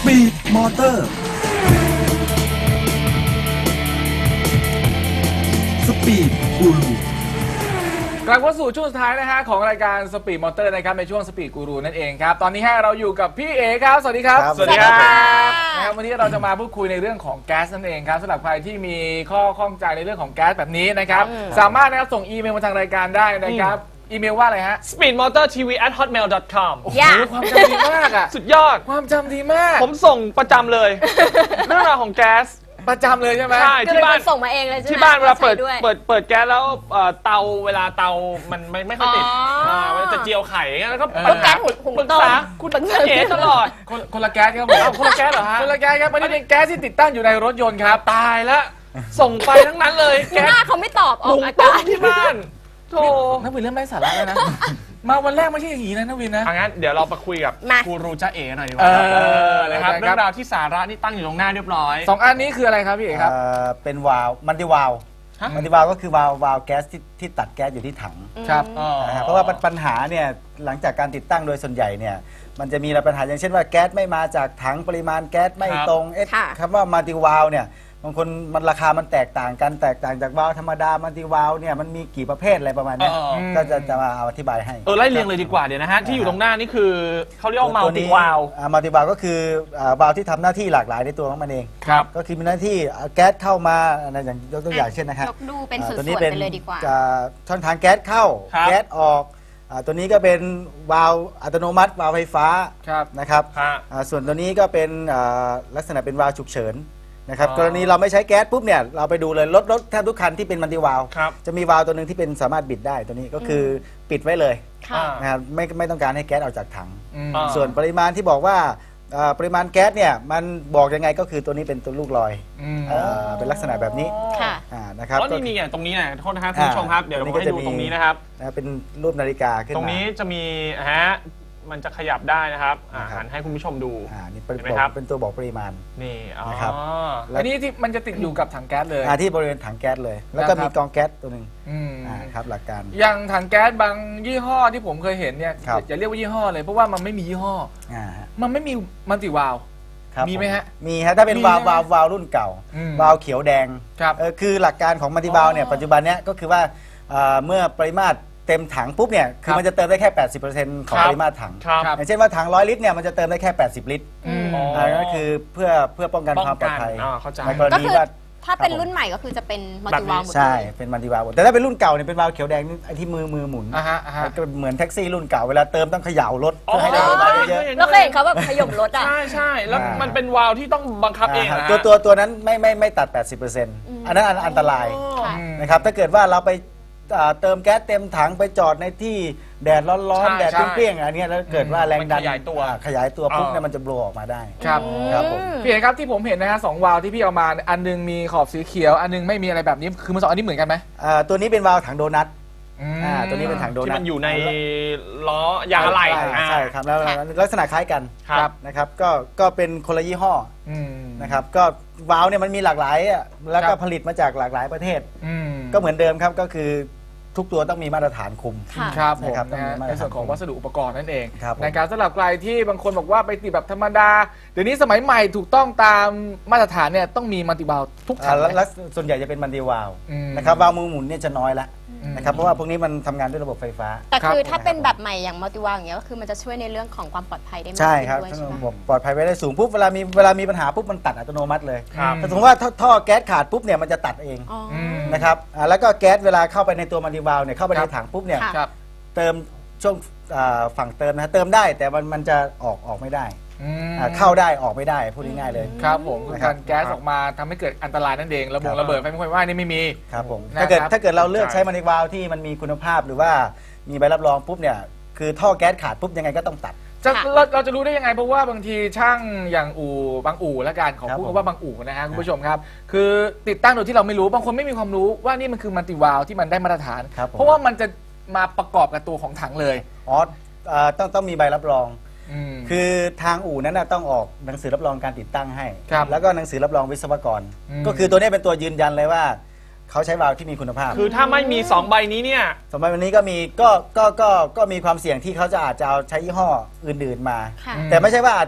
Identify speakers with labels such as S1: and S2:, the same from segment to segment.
S1: ปีดมอเตอร์สปีดกูรูกลับเข้าสู่ช่วงสุดท้ายนะฮะของรายการสปีดมอเตอร์นะครับในช่วงสปีดกูรูนั่นเองครับตอนนี้เราอยู่กับพี่เอครับสวัสดีครับ
S2: สวัสดีครับ
S1: นะครับวันนี้เราจะมาพูดคุยในเรื่องของแก๊สนั่นเองครับสำหรับใครที่มีข้อข้องใจในเรื่องของแก๊สแบบนี้นะครับสามารถนะครับส่งอีเมลมาทางรายการได้นะครับอีเมลว่าอะไรฮะ
S3: speedmotortv@hotmail.com
S1: โอ้โหความจำดีมากอ่ะ
S3: สุดยอด
S1: ความจำดีมาก
S3: ผมส่งประจำเลย เรื่องราวของแก๊ส
S1: ประจำเลยใช่ไหม
S3: ใช่
S2: ที่บ้านส่งมาเองเลยใช่ไหม
S3: ที่บ้านเวลาเปิดแก๊สแล้วเตาเวลาเตามันไม่ค่อยติดเวลาจะเจียวไข่แล้วก็
S2: แก๊สหุง
S3: ปรึก
S2: ต้ม
S3: ษาคุณเอ๋ตลอด
S1: คนละแก๊สครับผม
S3: คนละแก๊สเหรอฮะ
S1: คนละแก๊สครับมันเป็นแก๊สที่ติดตั้งอยู่ในรถยนต์ครับ
S3: ตายแล้วส่งไปทั้งนั้นเลย
S2: แก๊สเขาไม่ตอบออกอากาศ
S3: ที่บ้านโธ่
S1: นักวินเริ่มไร้สาระแล้วนะมาวันแรกไม่ใช่อย่างนี้นะนักวินนะ
S3: งั้นเดี๋ยวเราไปคุยกับกูรูจ้าเอ๋หน่อยดีกว่านะครับเรื่องราวที่สาระนี่ตั้งอยู่ตรงหน้าเรียบร้อย
S1: 2 อันนี้คืออะไรครับพี่เอ๋ครับ
S4: เป็นวาล์วมันติวาล์วมันติวาล์วก็คือวาล์วแก๊สที่ตัดแก๊สอยู่ที่ถัง
S1: ครับ
S4: เพราะว่าปัญหาเนี่ยหลังจากการติดตั้งโดยส่วนใหญ่เนี่ยมันจะมีปัญหาอย่างเช่นว่าแก๊สไม่มาจากถังปริมาณแก๊สไม่ตรงคำว่ามัลติวาล์วเนี่ยบางคนมันราคามันแตกต่างกันแตกต่างจากวาล์วธรรมดามัลติวาล์วเนี่ยมันมีกี่ประเภทอะไรประมาณนี้ก็จะมาอธิบายให้
S3: ไล่เรียงเลยดีกว่าเดี๋ยวนะฮะที่อยู่ตรงหน้านี่คือเขาเรียกว่ามัลติวาล์ว
S4: มัลติวาล์วก็คือวาล์วที่ทำหน้าที่หลากหลายในตัวของมันเองก็คือมีหน้าที่แก๊สเข้ามาอย่างยกตัวอย่างเช่นนะครับ
S2: ยกดูเป็นส่วนๆไปเลยดีกว่า
S4: ช่องทางแก๊สเข้าแก๊สออกตัวนี้ก็เป็นวาล์วอัตโนมัติวาล์วไฟฟ้านะครับส่วนตัวนี้ก็เป็นลักษณะเป็นวาล์วฉุกเฉินนะครับกรณีเราไม่ใช้แก๊สปุ๊บเนี่ยเราไปดูเลยรถแทบทุกคันที่เป็นมัลติวาล์วจะมีวาล์วตัวหนึ่งที่เป็นสามารถบิดได้ตัวนี้ก็คือปิดไว้เลยนะครับไม่ต้องการให้แก๊สออกจากถังส่วนปริมาณที่บอกว่าปริมาณแก๊สเนี่ยมันบอกยังไงก็คือตัวนี้เป็นตัวลูกลอยเป็นลักษณะแบบนี้นะครับ
S3: แล้วนี่อย่างตรงนี้นะโทษนะครับคุณผู้ชมครับเดี๋ยวเราให้ดูตรงนี้นะครับ
S4: เป็นรูปนาฬิกาขึ้นมา
S3: ตรงนี้จะมีมันจะขยับได้นะครับหันให้คุณผู้ชมดู
S4: นี่เป็นตัวบอกปริมาณ
S3: นี่
S4: นะครับ
S1: อันนี้ที่มันจะติดอยู่กับถังแก๊สเลย
S4: ที่บริเวณถังแก๊สเลยแล้วก็มีกองแก๊สตัวหนึ่งครับหลักการ
S1: อย่างถังแก๊สบางยี่ห้อที่ผมเคยเห็นเนี่ยอย่าเรียกว่ายี่ห้อเลยเพราะว่ามันไม่มียี่ห้อมันไม่มีมัลติวาล์วมีไหมฮะ
S4: มีฮะถ้าเป็นวาล์วรุ่นเก่าวาล์วเขียวแดงคือหลักการของมัลติวาล์วเนี่ยปัจจุบันเนี้ยก็คือว่าเมื่อปริมาตรเต็มถังปุ๊บเนี่ยคือมันจะเติมได้แค่ 80% ของปริมาตรถังอย่างเช่นว่าถัง100 ลิตรเนี่ยมันจะเติมได้แค่80 ลิตรนั่นคือเพื่อป้องกันความปลอดภัยในกรณีว่า
S2: ถ้าเป็นรุ่นใหม่ก็คือจะเป็นมัลติวาล์วหมด
S4: ใช่เป็นมัลติวาล์วแต่ถ้าเป็นรุ่นเก่าเนี่ยเป็นวาล์วเขียวแดงไอ้ที่มือหมุนก็เหมือนแท็กซี่รุ่นเก่าเวลาเติมต้องเขย่ารถเพื่อให้ได้ปริมาณเยอะ
S2: แล้วเคยเห็นเขาแบบขยมรถอ่ะ
S3: ใช่แล้วมันเป็นวาล์วที่ต้องบังคับเองนะ
S4: ตัวนั้นไม่ตัด 80%อันนั้นอันตรายนะครับถ้าเกิดว่าเราไปเติมแก๊สเต็มถังไปจอดในที่แดดร้อนๆแดดเปรี้ยงๆอันนี้แล้วเกิดว่าแรงดันขยายตัวปุ๊บเนี่ยมันจะโบว์ออกมาได้
S1: ครับผมพี่เอกครับที่ผมเห็นนะฮะ2 วาล์วที่พี่เอามาอันนึงมีขอบสีเขียวอันนึงไม่มีอะไรแบบนี้คือมัน2 อันนี้เหมือนกันไหม
S4: ตัวนี้เป็นวาล์วถังโดนัทตัวนี้เป็นถังโดนัท
S3: ที่มันอยู่ในล้อยางอะไหล่
S4: ใช่ครับแล้วลักษณะคล้ายกันนะครับก็เป็นคนละยี่ห้อนะครับก็วาล์วเนี่ยมันมีหลากหลายแล้วก็ผลิตมาจากหลากหลายประเทศก็เหมือนเดิมครับก็คือทุกตัวต้องมีมาตรฐานคุม
S1: ครับผมในส่วนของวัสดุอุปกรณ์นั่นเองในการสำหรับใครที่บางคนบอกว่าไปติดแบบธรรมดาเดี๋ยวนี้สมัยใหม่ถูกต้องตามมาตรฐานเนี่ยต้องมีมัลติวาล์วทุกถัง
S4: และส่วนใหญ่จะเป็นมัลติวาล์วนะครับวาล์วมือหมุนเนี่ยจะน้อยละนะครับเพราะว่าพวกนี้มันทำงานด้วยระบบไฟฟ้า
S2: แต่คือถ้าเป็นแบบใหม่อย่างมัลติวาล์วอย่างเงี้ยก็คือมันจะช่วยในเรื่องของความปลอดภัยได้มาก
S4: ใช่ครับระบบปลอดภัยไว้ได้สูงปุ๊บเวลามีปัญหาปุ๊บมันตัดอัตโนมัติเลยแต่สมมติว่าท่อแก๊สขาดปุ๊บเนี่ยมันจะตัดเองนะครับแล้วก็แก๊สเวลาเข้าไปในตัวมัลติวาล์วเนี่ยเข้าไปในถังปุ๊บเนี่ยเติมช่วงฝั่งเติมนะเติมได้แต่มันจะออกไม่ได้เข้าได้ออกไม่ได้พูดง่ายๆเลย
S1: ครับผมการแก๊สออกมาทำให้เกิดอันตรายนั่นเองระเบิดไฟไม่ค่อยว่านี่ไม่มี
S4: ครับผมถ้าเกิดเราเลือกใช้มัลติวาล์วที่มันมีคุณภาพหรือว่ามีใบรับรองปุ๊บเนี่ยคือท่อแก๊สขาดปุ๊บยังไงก็ต้องตัด
S1: เราจะรู้ได้ยังไงเพราะว่าบางทีช่างอย่างบางอู่และการของพูดว่าบางอู่นะฮะคุณผู้ชมครับคือติดตั้งโดยที่เราไม่รู้บางคนไม่มีความรู้ว่านี่มันคือมัลติวาล์วที่มันได้มาตรฐานเพราะว่ามันจะมาประกอบกับตัวของถังเลย
S4: ต้องมีใบรับรองคือทางอู่นั้นต้องออกหนังสือรับรองการติดตั้งให้แล้วก็หนังสือรับรองวิศวกรก็คือตัวนี้เป็นตัวยืนยันเลยว่าเขาใช้วาล์วที่มีคุณภาพ
S3: คือถ้าไม่มี2 ใบนี้เนี่ย
S4: 2 ใบนี้ก็มีก็มีความเสี่ยงที่เขาอาจจะเอาใช้ยี่ห้ออื่นๆมาแต่ไม่ใช่ว่าอาจจะ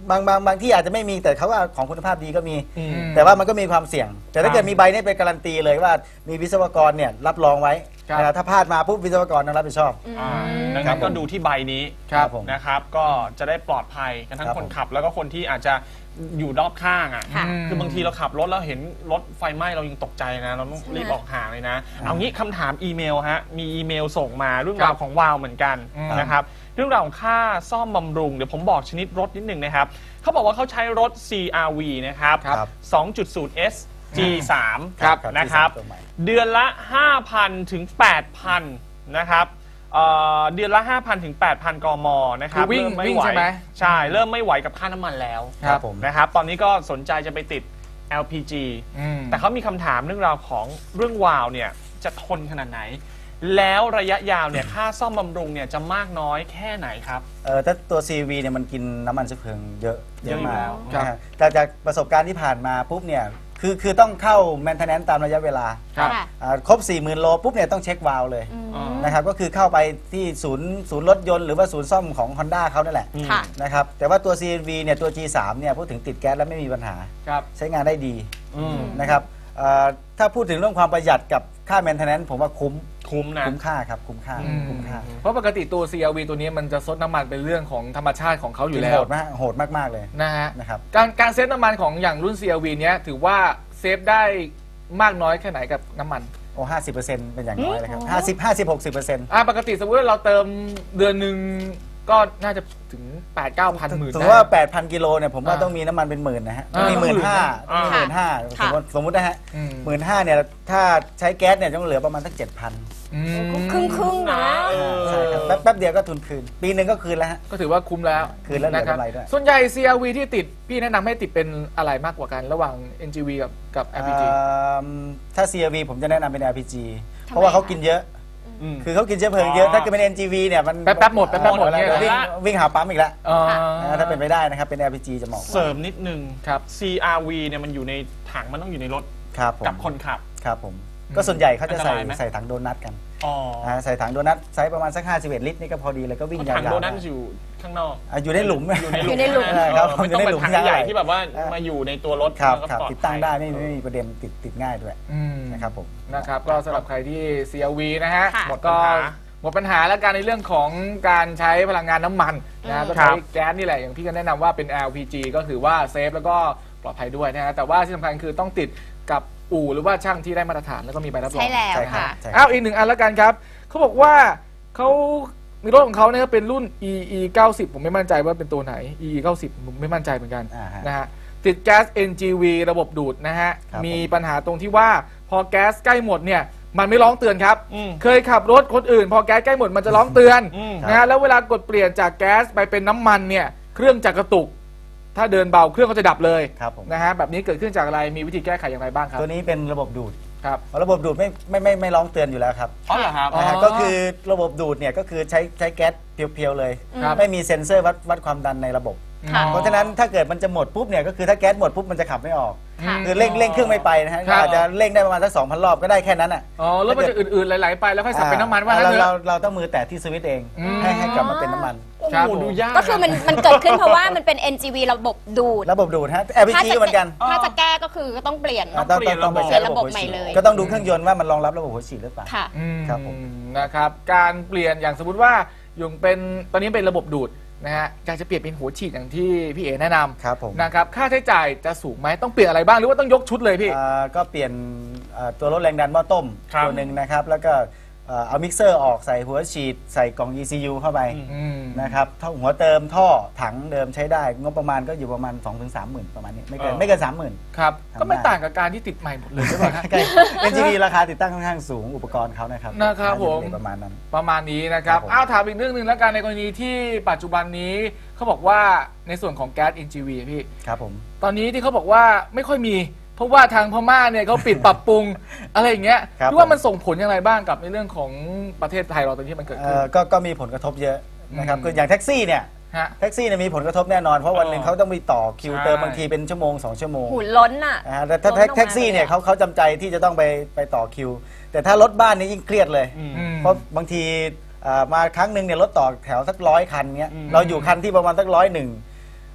S4: บางที่อาจจะไม่มีแต่เขาว่าของคุณภาพดีก็มี
S1: ม
S4: แต่ว่ามันก็มีความเสี่ยง แต่ถ้าเกิดมีใบนี้เป็นการันตีเลยว่ามีวิศวกรเนี่ยรับรองไว้
S1: ครับ
S4: นะครับถ้าพลาดมาปุ๊บวิศวกรต้องรับผิดชอบ
S3: ดัง
S4: ครั
S3: นั้
S4: บ
S3: น
S4: ผม
S3: ก็ดูที่ใบนี้
S1: ครับ
S4: ผม
S3: นะครับ ก็จะได้ปลอดภัยกันทั้ง
S4: ครับ
S3: คน
S4: ผม
S3: ขับแล้วก็คนที่อาจจะอยู่รอบข้างอ่ะ
S2: ค่ะ
S3: คือบางทีเราขับรถแล้วเห็นรถไฟไหม้เรายังตกใจนะ เราต้องรีบออกห่างเลยนะ เอางี้คำถามอีเมลฮะ มีอีเมลส่งมาเรื่องราวของวาวเหมือนกันนะครับ เรื่องราวของค่าซ่อมบำรุง เดี๋ยวผมบอกชนิดรถนิดหนึ่งนะครับ เขาบอกว่าเขาใช้รถ CRV นะครับ
S4: ครับ
S3: 2.0S G3
S1: ครับ
S3: นะครับ
S4: ตัวใหม่
S3: เดือนละ 5,000 ถึง 8,000 นะครับเดือนละ 5,000 ถึง 8,000 กม นะครับ
S1: คือวิ่ง
S3: เริ่มไม่
S1: วิ่ง
S3: ไหว
S1: ใช่ไหม
S3: ใช่ เริ่มไม่ไหวกับค่าน้ำมันแล้ว
S4: ครับผม
S3: นะครับ ตอนนี้ก็สนใจจะไปติด LPG
S1: อืม
S3: แต่เขามีคำถามเรื่องราวของเรื่องวาล์วเนี่ยจะทนขนาดไหน แล้วระยะยาวเนี่ยค่าซ่อมบำรุงเนี่ยจะมากน้อยแค่ไหนครับ
S4: ถ้าตัว CRV เนี่ยมันกินน้ำมันเชื้อเพลิงเยอะ
S3: เยอะอยู่
S4: มา
S3: แล้
S4: ก
S3: ว
S4: นะฮะแต่จากประสบการณ์ที่ผ่านมาปุ๊บเนี่ยคือต้องเข้า maintenance ตามระยะเวลา
S1: ครับ
S2: ค่ะ
S4: ครบ 40,000 โลปุ๊บเนี่ยต้องเช็ควาล์วเลย
S3: อ๋อ
S4: นะครับก็คือเข้าไปที่ศูนย์รถยนต์หรือว่าศูนย์ซ่อมของ Honda เขานั่นแหละ
S2: ค่ะ
S4: นะครับแต่ว่าตัว CRV เนี่ยตัว G3 เนี่ยพูดถึงติดแก๊สแล้วไม่มีปัญหา
S1: ครับ
S4: ใช้งานได้ดี
S3: อืม
S4: นะครับถ้าพูดถึงเรื่องความประหยัดกับค่า maintenance ผมว่าคุ้ม
S3: คุ้มนะ
S4: คุ้มค่าครับคุ้มค่า
S1: อืม
S4: คุ้มค่า
S1: เพราะปกติตัว CRV ตัวนี้มันจะซดน้ำมันเป็นเรื่องของธรรมชาติของเขาอยู่แล้
S4: โห
S1: ว
S4: ดมากโหดมากๆเลย
S1: นะฮะ
S4: นะครับ
S1: การเซฟน้ำมันของอย่างรุ่น CRV เนี้ยถือว่าเซฟได้มากน้อยแค่ไหนกับน้ำมัน
S4: โอ้50%เป็นอย่างน้อยเลยครับ50-60%
S1: ปกติสมมติว่าเราเติมเดือนหนึ่งก็น่าจะถึง 8-9 พันหมื่น
S4: ถือว่า 8,000 กิโลเนี่ยผมว่าต้องมีน้ำมันเป็นหมื่นนะฮะ
S1: อ่า
S4: มี15,000
S3: อ่า
S4: มี15,000
S2: ค่ะ
S4: สมมตินะฮะ
S1: อืม
S4: 15,000เนี่ยถ้าใช้แก๊สเนี่ยต้องเหลือประมาณสัก 7,000
S1: อืม
S2: ครึ่งๆนะ
S4: ใช่ครับแป๊บเดียวก็ทุนคืน ปีหนึ่งก็คืนแล้วฮะ
S1: ก็ถือว่าคุ้มแล้ว
S4: คืนแล้วเหลือ
S1: นะครับ
S4: กำไรด้วย
S1: ส่วนใหญ่ CRV ที่ติดพี่แนะนำให้ติดเป็นอะไรมากกว่ากันระหว่าง NGV กับ LPG
S4: ถ้า CRV ผมจะแนะนำเป็น LPG
S2: ทำไม
S4: เพราะว่าเขากินเยอะ
S3: อืม
S4: คือเขากินเชื้อเพลิงเยอะ ถ้าเกิดเป็น NGV เนี่ยมัน
S1: แป๊บๆหมดแป๊บๆหมด
S4: แล้ว
S1: เนี่ย
S4: วิ่งหาปั๊มอีกแล้ว
S1: อ๋อ
S4: ถ้าเป็นไปได้นะครับเป็น LPG จะเหมาะกว่า
S3: เสริมนิดนึง
S1: ครับ
S3: CRV เนี่ยมันอยู่ในถังมันต้องอยู่ในรถ
S4: ครับผม
S3: กับคนขับ
S4: ครับผมก็ส่วนใหญ่เขาจะ
S3: อันตรายไหม
S4: ใส่ถังโดนัทกัน
S3: อ๋อ
S4: ใส่ถังโดนัทไซส์ประมาณสัก51 ลิตรนี่ก็พอดีเลยก็วิ่งยาว
S3: ถัง
S4: ๆ
S3: โดนัทอยู่ข้างนอก
S4: อยู่ในหลุม
S3: อยู่ในหลุม
S2: อยู่ในหลุม
S4: ครับ
S3: ไม่ต้องเป็นถังใหญ่ที่แบบว่า
S4: อ่าม
S3: มาอยู่ในตัวรถ
S4: ครับ
S3: แล้วก็
S4: ครับ
S3: ปลอด
S4: ติดตั้ง
S3: ภัย
S4: ได้ไม่มีประเด็นติดง่ายด้วย
S1: อืม
S4: นะครับผม
S1: นะครับก็สำหรับใครที่ CRV นะฮะ
S2: ค่ะ
S3: หมด
S1: ก็
S3: ปัญหา
S1: หมดปัญหาแล้วกันในเรื่องของการใช้พลังงานน้ำมันนะก็
S3: ครั
S1: ใช้
S3: บ
S1: แก๊สนี่แหละอย่างพี่ก็แนะนำว่าเป็น LPG ก็คือว่าเซฟแล้วก็ปลอดภัยด้วยนะฮะแต่ว่าที่สำคัญคือต้องติดกับอู่หรือว่าช่างที่ได้มาตรฐานแล้วก็มีใบรับรอง
S2: ใช่แล้ว
S4: ใช่ครับ
S2: ค่ะ
S4: ใช่ครับ
S1: อ้าวอีกหนึ่งอันแล้วกันครับเขาบอกว่าเขามีรถของเขาเนี่ยเป็นรุ่น EE 90ผมไม่มั่นใจว่าเป็นตัวไหน EE 90ผมไม่มั่นใจเหมือนกัน
S4: ฮะ
S1: นะฮะติดแก๊ส NGV ระบบดูดนะฮะ
S4: ครับ
S1: มีปัญหาตรงที่ว่าพอแก๊สใกล้หมดเนี่ยมันไม่ร้องเตือนครับ
S3: อืม
S1: เคยขับรถคนอื่น พอแก๊สใกล้หมดมันจะร้องเตือน
S3: อืม
S1: นะฮะแล้วเวลากดเปลี่ยนจากแก๊สไปเป็นน้ำมันเนี่ยเครื่องจะกระตุก ถ้าเดินเบาเครื่องก็จะดับเลย
S4: ครับผม
S1: นะฮะแบบนี้เกิดขึ้นจากอะไรมีวิธีแก้ไขอย่างไรบ้างครับ
S4: ตัวนี้เป็นระบบดูด
S1: ครับ
S4: ระบบดูดไม่ร้องเตือนอยู่แล้วครับ
S3: อ๋อเหรอครับ
S1: อ๋อ
S4: นะฮะก็คือระบบดูดเนี่ยก็คือใช้แก๊สเพียวๆเลย
S1: ครับ
S4: ไม่มีเซ็นเซอร์วัดความดันในระบบ
S2: ค่ะ
S4: เพราะฉะนั้นถ้าเกิดมันจะหมดปุ๊บเนี่ยก็คือถ้าแก๊สหมดปุ๊บมันจะขับไม่ออก
S2: ค่ะ
S4: คือเร่งเครื่องไม่ไปนะฮะ
S1: ครับ
S4: อาจจะเร่งได้ประมาณสัก 2,000 รอบก็ได้แค่นั้นอ่ะ
S1: อ๋อรถมันจะอืดๆไหลๆไปแล้วค่อยสับเป็นน้ำมันว่างั้นเถ
S4: เรา
S1: อะ
S4: เราต้องมือแตะที่สวิตช์เอง
S1: อืม
S4: ให้กลับมาเป็นน้ำมัน
S1: ครับ
S3: โอ้โหดูยาก
S2: ก็คือมันเกิดขึ้นเพราะว่ามันเป็น NGV ระบบดูด
S4: ระบบดูดฮะ LPG ก็เหมือนกัน
S2: ถ้าจะแก้ก็คือก็ต้องเปลี่ยน
S3: ต้องเปลี่ยนระบบ
S4: ไป
S2: เปลี่
S4: ใช้
S2: ยนระบบ
S4: หัว
S2: ใหม่
S4: ฉีด
S2: เลย
S4: ก็ต้องดูเครื่องยนต์ว่ามันรองรับระบบหัวฉีดหรือเปล่า
S2: ค่ะ
S4: ครับผม
S1: นะครับการเปลี่ยนอย่างสมมติว่าอยู่เป็นตอนนี้เป็นระบบดูดนะฮะอยากจะเปลี่ยนเป็นหัวฉีดอย่างที่พี่เอแนะน
S4: ครับผม
S1: ำนะครับค่าใช้จ่ายจะสูงไหมต้องเปลี่ยนอะไรบ้างหรือว่าต้องยกชุดเลยพี่
S4: ก็เปลี่ยนตัวลดแรงดันหม้อต้ม
S3: ครับ
S4: ตัวหนึ่งนะครับ แล้วก็เอามิกเซอร์ออกใส่หัวฉีดใส่กล่อง ECU เข้าไป
S1: อืม
S4: นะครับท่อหัวเติมท่อถังเดิมใช้ได้งบประมาณก็อยู่ประมาณ 2-30,000 ประมาณนี้ไม่เกิน 30,000
S1: ครับ
S4: ทำได้
S1: ก็ไม่ต่างกับการที่ติดใหม่หมดเลยใช่ไหมฮะ
S4: NGV ราคาติดตั้งค่อนข้างสูงอุปกรณ์เขานะครับ
S1: นะครับผม
S4: อยู่ในประมาณนั้น
S1: ประมาณนี้นะครับ
S4: ครับผม
S1: อ้าวถามอีกเรื่องหนึ่งแล้วกันในกรณีที่ปัจจุบันนี้เขาบอกว่าในส่วนของแก๊ส NGV พี่
S4: ครับผม
S1: ตอนนี้ที่เขาบอกว่าไม่ค่อยมี เพราะว่าทางพม่าเนี่ยเขาปิด ปรับปรุงอะไรอย่างเงี้ย
S4: ครับ
S1: คิดว่ามันส่งผลอย่างไรบ้างกับในเรื่องของประเทศไทยเราตอนที่มันเกิดขึ้น
S4: ก็มีผลกระทบเยอะนะครับ
S1: อืม
S4: คืออย่างแท็กซี่เนี่ย
S1: ฮะ
S4: แท็กซี่เนี่ยมีผลกระทบแน่นอน เพราะวันหนึ่งเขาต้องไปต่อคิว
S1: ใช่
S4: เติมบางทีเป็นชั่วโมง 2 ชั่วโมง
S2: หูล้นอ่ะ
S4: นะฮะแต่ถ้า
S2: ล้นออกมา
S4: แท็กซี่เนี่ย
S2: เลยอะ
S4: เขาจำใจที่จะต้องไปต่อคิว แต่ถ้ารถบ้านนี่ยิ่งเครียดเลย
S3: อืม
S1: อืม
S4: เพราะบางทีมาครั้งหนึ่งเนี่ยรถต่อแถวสัก100 คันเนี้ย
S3: อืม
S4: เราอยู่คันที่ประมาณสัก101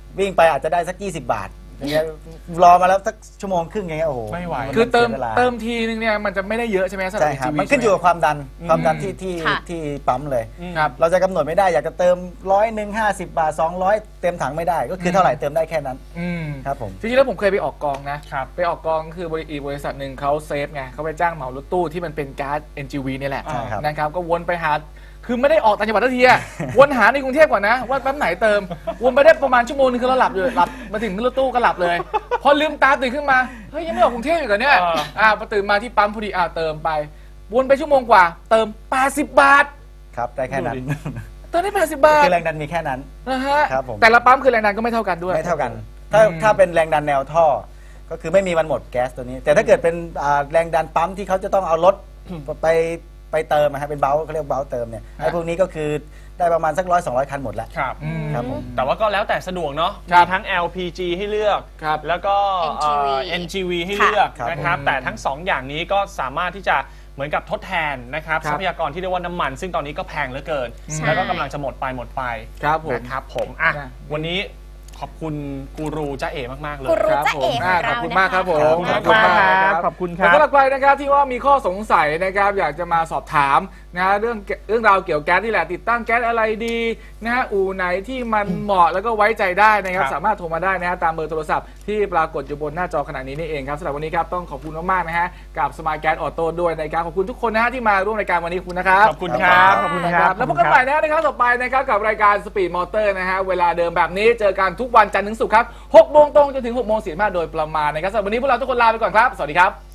S4: วิ่งไปอาจจะได้สัก 20 บาทอย่างเงี้ยรอมาแล้วสักชั่วโมงครึ่งอย่างเงี้ยโอ้โห
S3: ไม่ไหว
S1: คือเติม
S4: สียวลา
S1: เติมทีนึงเนี่ยมันจะไม่ได้เยอะใช่ไหมสำหรับ
S4: ใช่ครับ
S1: HGV
S4: มันขึ้นอยู่กับความดันที่
S2: ค่ะ
S4: ที่ปั๊มเลย
S1: ครับ
S4: เราจะกำหนดไม่ได้อยากจะเติม100 50 บาท 200 เต็มถังไม่ได้ก็คือเท่าไหร่เติมได้แค่นั้น
S1: อืม
S4: ครับผม
S1: จริงๆแล้วผมเคยไปออกกองนะครับ ไปออกกองคือบริษัทหนึ่งเขาเซฟไงเขาไปจ้างเหมารถตู้ที่มันเป็นก๊าซ NGV นี่แหละ
S4: ใช่ครับ
S1: นะครับก็วนไปหาคือไม่ได้ออกต่างจังหวัดทันทีอะ วนหาในกรุงเทพก่อนนะว่าปั๊มไหนเติมวนไปได้ประมาณชั่วโมงนึงคือเราหลับเลยหลับมาถึงรถตู้ก็หลับเลย พอลืมตาตื่นขึ้นมาเฮ้ยยังไม่ออกกรุงเทพอีกเหรอเนี่ยพอตื่นมาที่ปั๊มพอดีเติมไปวนไปชั่วโมงกว่าเติม80 บาท
S4: ครับได้แค่นั้น
S3: ดูดิ
S1: เติมได้80 บาท
S4: คือแรงดันมีแค่นั้น
S1: นะฮะ
S4: ครับผม
S1: แต่ละปั๊มคือแรงดันก็ไม่เท่ากันด้วย
S4: ไม่เท่ากัน ถ้าเป็นแรงดันแนวท่อ ก็คือไม่มีวันหมดแก๊สตัวนี้ แต่ถ้าเกิดเป็นแรงดันปั๊มที่เขาจะต้องเอารถไปเติมนะฮะเป็นเบลเขาเรียกเบลเติมเนี่ยไอ้พวกนี้ก็คือได้ประมาณสัก100-200 คันหมดแล้ว
S3: ครับ
S4: ครับผม
S3: แต่ว่าก็แล้วแต่สะดวกเนาะ
S1: ครั
S3: มี
S1: บ
S3: ทั้ง LPG ให้เลือก
S1: ครับ
S3: แล้วก็
S2: NGV
S3: NGV ให้เลือก
S4: ครับ
S3: นะครับ
S1: ผม
S3: แต่ทั้ง 2 อย่างนี้ก็สามารถที่จะเหมือนกับทดแทนนะครับ
S1: ครับ
S3: ทรัพยากรที่เรียกว่าน้ำมัน ซึ่งตอนนี้ก็แพงเหลือเกิน
S2: ใช่
S3: แล้วก็กำลังจะหมดไป
S1: ครับผม
S3: นะครับผมอ่ะ
S1: นะ
S3: วันนี้ขอบคุณกูรูจ้าเอ๋มากๆเลย
S2: กูรู
S1: ครับ
S2: จ้า
S1: ผม
S2: เอ๋ของ
S1: ขอบ
S2: เรา
S1: คุณ
S2: นะ
S1: มากครับ
S2: คะ
S1: ผม
S3: ขอบคุณมากครับขอบคุณครับ
S1: สำหรับใครนะครับที่ว่ามีข้อสงสัยนะครับอยากจะมาสอบถามนะเรื่องราวเกี่ยวกับแก๊สนี่แหละติดตั้งแก๊สอะไรดีนะฮะอู่ไหนที่มันเหมาะแล้วก็ไว้ใจได้นะครับ
S3: ครับ
S1: สามารถโทรมาได้นะฮะตามเบอร์โทรศัพท์ที่ปรากฏอยู่บนหน้าจอขณะนี้นี่เองครับสำหรับวันนี้ครับต้องขอบคุณมากๆนะฮะกับสมาร์ทแก๊สออโต้ด้วยนะครับขอบคุณทุกคนนะฮะที่มาร่วมรายการวันนี้ขอบคุณนะครับ
S3: ขอบคุณครับขอบคุณครับ
S1: แล้วพบกันใหม่นะในครั้งต่อไปนะครับกับรายการสปีดมอเตอร์นะฮะเวลาเดิมแบบนี้เจอกันทุกวันจันทร์ถึงศุกร์ครับ6 โมงตรงจนถึง6 โมง 45โดยประมาณนะครับสำหรับวันนี้พวกเราทุกคนลาไปก่อนครับสวัสดีครับ